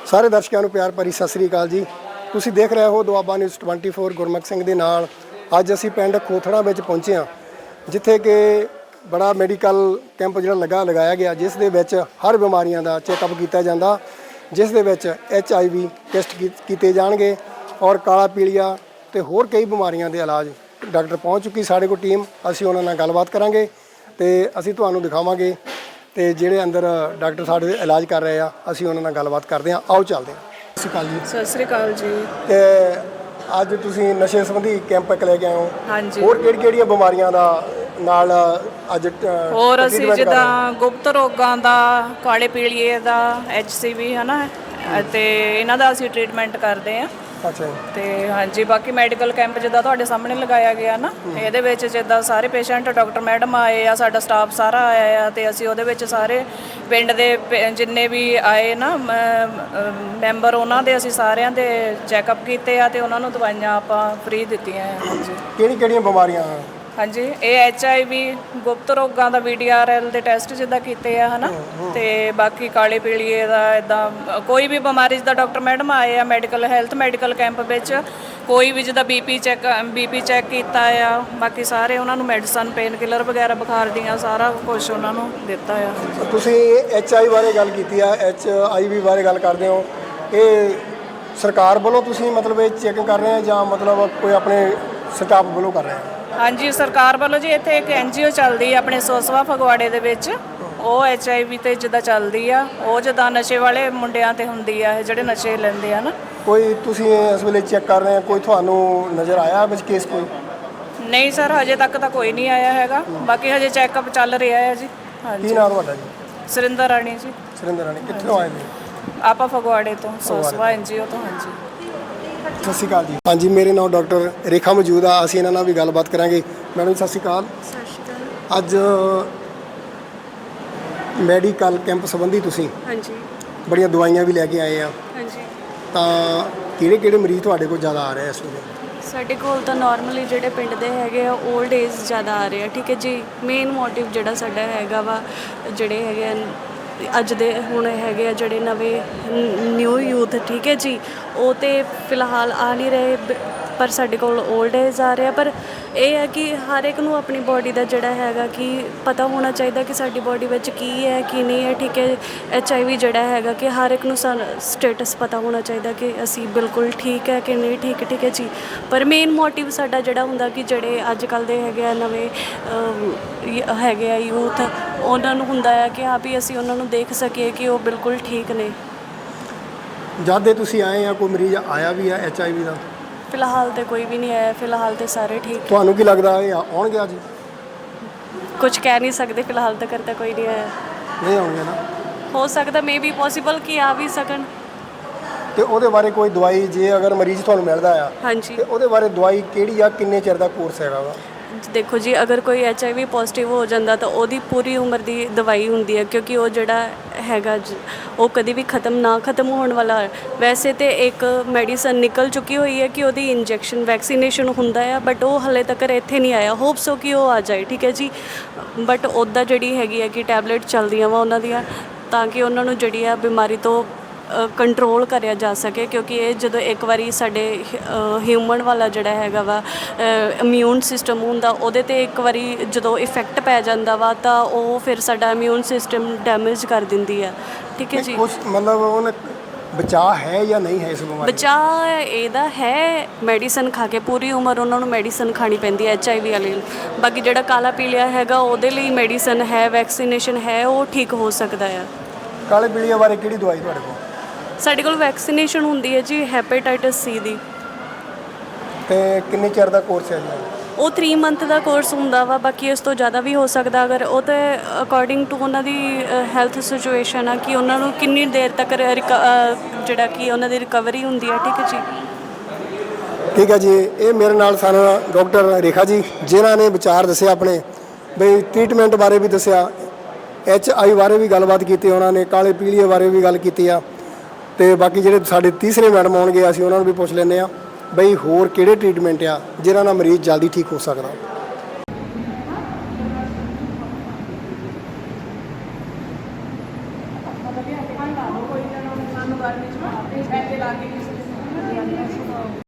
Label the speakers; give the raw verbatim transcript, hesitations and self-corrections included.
Speaker 1: ਸਾਰੇ ਦਰਸ਼ਕਾਂ ਨੂੰ ਪਿਆਰ ਭਰੀ ਸਤਿ ਸ੍ਰੀ ਅਕਾਲ ਜੀ। ਤੁਸੀਂ ਦੇਖ ਰਹੇ ਹੋ ਦੁਆਬਾ ਨਿਊਜ਼ ਚੌਵੀ ਗੁਰਮੁਖ ਸਿੰਘ ਦੇ ਨਾਲ। ਅੱਜ ਅਸੀਂ ਪਿੰਡ ਖੋਥੜਾ ਵਿੱਚ ਪਹੁੰਚੇ ਹਾਂ, ਜਿੱਥੇ ਕਿ ਬੜਾ ਮੈਡੀਕਲ ਕੈਂਪ ਜਿਹੜਾ ਲੱਗਾ ਲਗਾਇਆ ਗਿਆ, ਜਿਸ ਦੇ ਵਿੱਚ ਹਰ ਬਿਮਾਰੀਆਂ ਦਾ ਚੈੱਕਅਪ ਕੀਤਾ ਜਾਂਦਾ, ਜਿਸ ਦੇ ਵਿੱਚ ਐਚ ਆਈ ਵੀ ਟੈਸਟ ਕੀਤੇ ਜਾਣਗੇ ਔਰ ਕਾਲਾ ਪੀਲੀਆ ਤੇ ਹੋਰ ਕਈ ਬਿਮਾਰੀਆਂ ਦੇ ਇਲਾਜ। ਡਾਕਟਰ ਪਹੁੰਚ ਚੁੱਕੀ ਸਾਡੇ ਕੋਲ ਟੀਮ, ਅਸੀਂ ਉਹਨਾਂ ਨਾਲ ਗੱਲਬਾਤ ਕਰਾਂਗੇ ਤੇ ਅਸੀਂ ਤੁਹਾਨੂੰ ਦਿਖਾਵਾਂਗੇ ਤੇ ਜਿਹੜੇ ਅੰਦਰ ਡਾਕਟਰ ਸਾਡੇ ਇਲਾਜ ਕਰ ਰਹੇ ਆ, ਅਸੀਂ ਉਹਨਾਂ ਨਾਲ ਗੱਲਬਾਤ ਕਰਦੇ ਹਾਂ। ਆਓ ਚੱਲਦੇ ਹਾਂ। ਸਤਿ ਸ਼੍ਰੀ ਅਕਾਲ ਜੀ।
Speaker 2: ਸਤਿ ਸ਼੍ਰੀ ਅਕਾਲ ਜੀ।
Speaker 1: ਤੇ ਅੱਜ ਤੁਸੀਂ ਨਸ਼ੇ ਸੰਬੰਧੀ ਕੈਂਪ ਇੱਕ ਲੈ ਕੇ ਆਏ ਹੋ।
Speaker 2: ਹਾਂਜੀ।
Speaker 1: ਹੋਰ ਕਿਹੜੀ ਕਿਹੜੀਆਂ ਬਿਮਾਰੀਆਂ ਦਾ ਨਾਲ ਅੱਜ
Speaker 2: ਹੋਰ ਅਸੀਂ ਜਿੱਦਾਂ ਗੁਪਤ ਰੋਗਾਂ ਦਾ, ਕਾਲੇ ਪੀਲੀਏ ਦਾ, ਐਚ ਸੀ ਵੀ ਹੈ ਨਾ, ਅਤੇ ਇਹਨਾਂ ਦਾ ਅਸੀਂ ਟ੍ਰੀਟਮੈਂਟ ਕਰਦੇ ਹਾਂ।
Speaker 1: ਅੱਛਾ।
Speaker 2: ਤੇ ਹਾਂਜੀ, ਬਾਕੀ ਮੈਡੀਕਲ ਕੈਂਪ ਜਿੱਦਾਂ ਤੁਹਾਡੇ ਸਾਹਮਣੇ ਲਗਾਇਆ ਗਿਆ ਨਾ, ਇਹਦੇ ਵਿੱਚ ਜਿੱਦਾਂ ਸਾਰੇ ਪੇਸ਼ੈਂਟ, ਡਾਕਟਰ ਮੈਡਮ ਆਏ ਆ, ਸਾਡਾ ਸਟਾਫ ਸਾਰਾ ਆਇਆ ਆ, ਤੇ ਅਸੀਂ ਉਹਦੇ ਵਿੱਚ ਸਾਰੇ ਪਿੰਡ ਦੇ ਜਿੰਨੇ ਵੀ ਆਏ ਨਾ ਮੈਂਬਰ, ਉਹਨਾਂ ਦੇ ਅਸੀਂ ਸਾਰਿਆਂ ਦੇ ਚੈੱਕਅਪ ਕੀਤੇ ਆ ਤੇ ਉਹਨਾਂ ਨੂੰ ਦਵਾਈਆਂ ਆਪਾਂ ਫ੍ਰੀ ਦਿੱਤੀਆਂ ਆ। ਹਾਂਜੀ।
Speaker 1: ਕਿਹੜੀ ਕਿਹੜੀਆਂ ਬਿਮਾਰੀਆਂ?
Speaker 2: ਹਾਂਜੀ, ਇਹ ਐਚ ਆਈ ਵੀ, ਗੁਪਤ ਰੋਗਾਂ ਦਾ ਵੀ ਡੀ ਆਰ ਐਲ ਦੇ ਟੈਸਟ ਜਿੱਦਾਂ ਕੀਤੇ ਆ ਹੈ ਨਾ, ਤੇ ਬਾਕੀ ਕਾਲੇ ਪੀਲੀਏ ਦਾ, ਇੱਦਾਂ ਕੋਈ ਵੀ ਬਿਮਾਰੀ ਜਿੱਦਾਂ ਡਾਕਟਰ ਮੈਡਮ ਆਏ ਆ ਮੈਡੀਕਲ ਹੈਲਥ ਮੈਡੀਕਲ ਕੈਂਪ ਵਿੱਚ, ਕੋਈ ਵੀ ਜਿੱਦਾਂ B P check B P check ਕੀਤਾ ਆ, ਬਾਕੀ ਸਾਰੇ ਉਹਨਾਂ ਨੂੰ ਮੈਡੀਸਨ, ਪੇਨ ਕਿਲਰ ਵਗੈਰਾ ਬੁਖਾਰ ਦੀਆਂ ਸਾਰਾ ਕੁਛ ਉਹਨਾਂ ਨੂੰ ਦਿੱਤਾ ਆ।
Speaker 1: ਤੁਸੀਂ ਐਚ ਆਈ ਬਾਰੇ ਗੱਲ ਕੀਤੀ ਆ, ਐਚ ਆਈ ਵੀ ਬਾਰੇ ਗੱਲ ਕਰਦੇ ਹੋ, ਇਹ ਸਰਕਾਰ ਵੱਲੋਂ ਤੁਸੀਂ ਮਤਲਬ ਇਹ ਚੈੱਕ ਕਰ ਰਹੇ ਆ ਜਾਂ ਮਤਲਬ ਕੋਈ ਆਪਣੇ ਸਟਾਫ ਵੱਲੋਂ ਕਰ ਰਹੇ ਆ?
Speaker 2: ਹਾਂਜੀ, ਸਰਕਾਰ ਵੱਲੋਂ ਜੀ ਇੱਥੇ ਇੱਕ ਐਨ ਜੀ ਓ ਚੱਲਦੀ ਆ ਆਪਣੇ ਸੋਸਵਾ ਫਗਵਾੜੇ ਦੇ ਵਿੱਚ, ਉਹ ਐਚ ਆਈ ਵੀ ਤੇ ਜਿੱਦਾਂ ਚੱਲਦੀ ਆ, ਉਹ ਜਿੱਦਾਂ ਨਸ਼ੇ ਵਾਲੇ ਮੁੰਡਿਆਂ ਤੇ ਹੁੰਦੀ ਆ, ਜਿਹੜੇ ਨਸ਼ੇ ਲੈਂਦੇ ਆ ਨਾ। ਕੋਈ
Speaker 1: ਤੁਸੀਂ ਇਸ ਵੇਲੇ ਚੈੱਕ ਕਰ ਰਹੇ ਆ, ਕੋਈ ਤੁਹਾਨੂੰ ਨਜ਼ਰ ਆਇਆ ਵਿੱਚ ਕੇਸ? ਕੋਈ
Speaker 2: ਨਹੀਂ ਸਰ, ਹਜੇ ਤੱਕ ਤਾਂ ਕੋਈ ਨਹੀਂ ਆਇਆ ਹੈਗਾ, ਬਾਕੀ ਹਜੇ ਚੈੱਕਅਪ ਚੱਲ ਰਿਹਾ ਹੈ ਜੀ। ਹਾਂਜੀ।
Speaker 1: ਕੀ ਨਾਮ ਤੁਹਾਡਾ ਜੀ?
Speaker 2: ਸੁਰਿੰਦਰ ਰਾਣੀ ਜੀ।
Speaker 1: ਸੁਰਿੰਦਰ ਰਾਣੀ, ਕਿੱਥੋਂ ਆਏ ਨੇ?
Speaker 2: ਆਪਾਂ ਫਗਵਾੜੇ ਤੋਂ, ਸੋਸਵਾ ਐਨ ਜੀ ਓ ਤੋਂ। ਹਾਂਜੀ।
Speaker 1: ਸਤਿ ਸ਼੍ਰੀ ਅਕਾਲ ਜੀ। ਹਾਂਜੀ, ਮੇਰੇ ਨਾਲ ਡਾਕਟਰ ਰੇਖਾ ਮੌਜੂਦ ਆ, ਅਸੀਂ ਇਹਨਾਂ ਨਾਲ ਵੀ ਗੱਲਬਾਤ ਕਰਾਂਗੇ। ਮੈਡਮ ਸਤਿ ਸ਼੍ਰੀ ਅਕਾਲ।
Speaker 3: ਸਤਿ ਸ਼੍ਰੀ ਅਕਾਲ।
Speaker 1: ਅੱਜ ਮੈਡੀਕਲ ਕੈਂਪ ਸੰਬੰਧੀ ਤੁਸੀਂ
Speaker 3: ਹਾਂਜੀ
Speaker 1: ਬੜੀਆਂ ਦਵਾਈਆਂ ਵੀ ਲੈ ਕੇ ਆਏ ਆ,
Speaker 3: ਹਾਂਜੀ
Speaker 1: ਤਾਂ ਕਿਹੜੇ ਕਿਹੜੇ ਮਰੀਜ਼ ਤੁਹਾਡੇ ਕੋਲ ਜ਼ਿਆਦਾ ਆ ਰਹੇ ਇਸ ਵੇਲੇ?
Speaker 3: ਸਾਡੇ ਕੋਲ ਤਾਂ ਨਾਰਮਲੀ ਜਿਹੜੇ ਪਿੰਡ ਦੇ ਹੈਗੇ ਆ, ਓਲਡ ਏਜ ਜ਼ਿਆਦਾ ਆ ਰਹੇ ਆ। ਠੀਕ ਹੈ ਜੀ। ਮੇਨ ਮੋਟਿਵ ਜਿਹੜਾ ਸਾਡਾ ਹੈਗਾ ਵਾ, ਜਿਹੜੇ ਹੈਗੇ ਅੱਜ ਦੇ ਹੁਣ ਹੈਗੇ ਆ ਜਿਹੜੇ ਨਵੇਂ ਨਿਊ ਯੂਥ, ਠੀਕ ਹੈ ਜੀ, ਉਹ ਤਾਂ ਫਿਲਹਾਲ ਆ ਨਹੀਂ ਰਹੇ, ਪਰ ਸਾਡੇ ਕੋਲ ਓਲਡ ਏਜ ਆ ਰਿਹਾ। ਪਰ ਇਹ ਹੈ ਕਿ ਹਰ ਇੱਕ ਨੂੰ ਆਪਣੀ ਬੋਡੀ ਦਾ ਜਿਹੜਾ ਹੈਗਾ ਕਿ ਪਤਾ ਹੋਣਾ ਚਾਹੀਦਾ ਕਿ ਸਾਡੀ ਬੋਡੀ ਵਿੱਚ ਕੀ ਹੈ ਕੀ ਨਹੀਂ ਹੈ। ਠੀਕ ਹੈ। ਐਚ ਆਈ ਵੀ ਜਿਹੜਾ ਹੈਗਾ ਕਿ ਹਰ ਇੱਕ ਨੂੰ ਸਟੇਟਸ ਪਤਾ ਹੋਣਾ ਚਾਹੀਦਾ ਕਿ ਅਸੀਂ ਬਿਲਕੁਲ ਠੀਕ ਹੈ ਕਿ ਨਹੀਂ ਠੀਕ। ਠੀਕ ਹੈ ਜੀ। ਪਰ ਮੇਨ ਮੋਟਿਵ ਸਾਡਾ ਜਿਹੜਾ ਹੁੰਦਾ ਕਿ ਜਿਹੜੇ ਅੱਜ ਕੱਲ੍ਹ ਦੇ ਹੈਗੇ ਆ ਨਵੇਂ ਹੈਗੇ ਆ ਯੂਥ, ਉਹਨਾਂ ਨੂੰ ਹੁੰਦਾ ਹੈ ਕਿ ਹਾਂ ਵੀ ਅਸੀਂ ਉਹਨਾਂ ਨੂੰ ਦੇਖ ਸਕੀਏ ਕਿ ਉਹ ਬਿਲਕੁਲ ਠੀਕ ਨੇ।
Speaker 1: ਜਦ ਦੇ ਤੁਸੀਂ ਆਏ ਆ, ਕੋਈ ਮਰੀਜ਼ ਆਇਆ ਵੀ ਆ ਐਚ ਆਈ ਵੀ ਦਾ?
Speaker 3: ਫਿਲਹਾਲ ਤਾਂ ਕੋਈ ਵੀ ਨਹੀਂ ਆਇਆ, ਫਿਲਹਾਲ ਤਾਂ ਸਾਰੇ ਠੀਕ।
Speaker 1: ਤੁਹਾਨੂੰ ਕੀ ਲੱਗਦਾ ਇਹ ਆਉਣਗੇ ਅੱਜ?
Speaker 3: ਕੁਝ ਕਹਿ ਨਹੀਂ ਸਕਦੇ, ਫਿਲਹਾਲ ਤਾਂ ਕਰਤਾ ਕੋਈ ਨਹੀਂ ਆਇਆ।
Speaker 1: ਨਹੀਂ ਆਉਣਗੇ ਨਾ?
Speaker 3: ਹੋ ਸਕਦਾ ਮੇ ਬੀ ਪੋਸੀਬਲ ਕਿ ਆ ਵੀ ਸਕਣ।
Speaker 1: ਤੇ ਉਹਦੇ ਬਾਰੇ ਕੋਈ ਦਵਾਈ, ਜੇ ਅਗਰ ਮਰੀਜ਼ ਤੁਹਾਨੂੰ ਮਿਲਦਾ ਆ,
Speaker 3: ਹਾਂਜੀ,
Speaker 1: ਤੇ ਉਹਦੇ ਬਾਰੇ ਦਵਾਈ ਕਿਹੜੀ ਆ, ਕਿੰਨੇ ਚਿਰ ਦਾ ਕੋਰਸ ਹੈਗਾ ਵਾ?
Speaker 3: ਦੇਖੋ ਜੀ, ਅਗਰ ਕੋਈ ਐਚ ਆਈ ਵੀ ਪੋਜ਼ੀਟਿਵ ਹੋ ਜਾਂਦਾ ਤਾਂ ਉਹਦੀ ਪੂਰੀ ਉਮਰ ਦੀ ਦਵਾਈ ਹੁੰਦੀ ਹੈ, ਕਿਉਂਕਿ ਉਹ ਜਿਹੜਾ ਹੈਗਾ ਉਹ ਕਦੇ ਵੀ ਖਤਮ ਨਾ ਖਤਮ ਹੋਣ ਵਾਲਾ। ਵੈਸੇ ਤਾਂ ਇੱਕ ਮੈਡੀਸਨ ਨਿਕਲ ਚੁੱਕੀ ਹੋਈ ਹੈ ਕਿ ਉਹਦੀ ਇੰਜੈਕਸ਼ਨ ਵੈਕਸੀਨੇਸ਼ਨ ਹੁੰਦਾ ਆ, ਬਟ ਉਹ ਹਾਲੇ ਤੱਕ ਇੱਥੇ ਨਹੀਂ ਆਇਆ। ਹੋਪ ਸੋ ਕਿ ਉਹ ਆ ਜਾਏ। ਠੀਕ ਹੈ ਜੀ। ਬਟ ਉੱਦਾਂ ਜਿਹੜੀ ਹੈਗੀ ਹੈ ਕਿ ਟੈਬਲੇਟ ਚੱਲਦੀਆਂ ਵਾ ਉਹਨਾਂ ਦੀਆਂ, ਤਾਂ ਕਿ ਉਹਨਾਂ ਨੂੰ ਜਿਹੜੀ ਆ ਬਿਮਾਰੀ ਤੋਂ ਕੰਟਰੋਲ ਕਰਿਆ ਜਾ ਸਕੇ, ਕਿਉਂਕਿ ਇਹ ਜਦੋਂ ਇੱਕ ਵਾਰੀ ਸਾਡੇ ਹਿਊਮਨ ਵਾਲਾ ਜਿਹੜਾ ਹੈਗਾ ਵਾ ਇਮਿਊਨ ਸਿਸਟਮ ਹੁੰਦਾ, ਉਹਦੇ 'ਤੇ ਇੱਕ ਵਾਰੀ ਜਦੋਂ ਇਫੈਕਟ ਪੈ ਜਾਂਦਾ ਵਾ ਤਾਂ ਉਹ ਫਿਰ ਸਾਡਾ ਇਮਿਊਨ ਸਿਸਟਮ ਡੈਮੇਜ ਕਰ ਦਿੰਦੀ ਆ। ਠੀਕ ਹੈ ਜੀ।
Speaker 1: ਕੁਛ ਮਤਲਬ ਉਹਨੇ ਬਚਾਅ ਹੈ ਜਾਂ ਨਹੀਂ ਹੈ ਇਸ ਬਿਮਾਰੀ?
Speaker 3: ਬਚਾਅ ਇਹਦਾ ਹੈ, ਮੈਡੀਸਨ ਖਾ ਕੇ ਪੂਰੀ ਉਮਰ ਉਹਨਾਂ ਨੂੰ ਮੈਡੀਸਨ ਖਾਣੀ ਪੈਂਦੀ ਹੈ ਐਚ ਆਈ ਵੀ ਵਾਲੇ ਨੂੰ। ਬਾਕੀ ਜਿਹੜਾ ਕਾਲਾ ਪੀਲੀਆ ਹੈਗਾ ਉਹਦੇ ਲਈ ਮੈਡੀਸਨ ਹੈ, ਵੈਕਸੀਨੇਸ਼ਨ ਹੈ, ਉਹ ਠੀਕ ਹੋ ਸਕਦਾ ਆ।
Speaker 1: ਕਾਲੇ ਪੀਲੀਆ ਬਾਰੇ ਕਿਹੜੀ ਦਵਾਈ ਤੁਹਾਡੇ ਕੋਲ?
Speaker 3: ਸਾਡੇ ਕੋਲ ਵੈਕਸੀਨੇਸ਼ਨ ਹੁੰਦੀ ਹੈ ਜੀ, ਹੈਪੇਟਾਈਟਸ ਸੀ ਦੀ।
Speaker 1: ਤੇ ਕਿੰਨੇ ਚਿਰ ਦਾ ਕੋਰਸ ਹੈ ਜੀ?
Speaker 3: ਉਹ ਥ੍ਰੀ ਮੰਥ ਦਾ ਕੋਰਸ ਹੁੰਦਾ ਵਾ, ਬਾਕੀ ਇਸ ਤੋਂ ਜ਼ਿਆਦਾ ਵੀ ਹੋ ਸਕਦਾ, ਅਗਰ ਉਹ ਤਾਂ ਅਕੋਰਡਿੰਗ ਟੂ ਉਹਨਾਂ ਦੀ ਹੈਲਥ ਸਿਚੁਏਸ਼ਨ ਆ ਕਿ ਉਹਨਾਂ ਨੂੰ ਕਿੰਨੀ ਦੇਰ ਤੱਕ ਜਿਹੜਾ ਕਿ ਉਹਨਾਂ ਦੀ ਰਿਕਵਰੀ ਹੁੰਦੀ ਹੈ। ਠੀਕ ਹੈ ਜੀ।
Speaker 1: ਠੀਕ ਹੈ ਜੀ। ਇਹ ਮੇਰੇ ਨਾਲ ਸਨ ਡਾਕਟਰ ਰੇਖਾ ਜੀ, ਜਿਨ੍ਹਾਂ ਨੇ ਵਿਚਾਰ ਦੱਸਿਆ ਆਪਣੇ, ਬਈ ਟ੍ਰੀਟਮੈਂਟ ਬਾਰੇ ਵੀ ਦੱਸਿਆ, ਐਚ ਆਈ ਬਾਰੇ ਵੀ ਗੱਲਬਾਤ ਕੀਤੀ ਉਹਨਾਂ ਨੇ, ਕਾਲੇ ਪੀਲੀਏ ਬਾਰੇ ਵੀ ਗੱਲ ਕੀਤੀ ਆ। ਤੇ ਬਾਕੀ ਜਿਹੜੇ ਸਾਡੇ ਤੀਸਰੇ ਮੈਡਮ ਆਉਣਗੇ, ਅਸੀਂ ਉਹਨਾਂ ਨੂੰ ਵੀ ਪੁੱਛ ਲੈਂਦੇ ਹਾਂ ਬਈ ਹੋਰ ਕਿਹੜੇ ਟ੍ਰੀਟਮੈਂਟ ਆ ਜਿਹਨਾਂ ਨਾਲ ਮਰੀਜ਼ ਜਲਦੀ ਠੀਕ ਹੋ ਸਕਦਾ।
Speaker 2: ਸਾਨੂੰ ਗਰਮੀ 'ਚ ਨਾ ਪੈਸੇ ਲਾ ਕੇ ਕਿਸੇ ਦੇ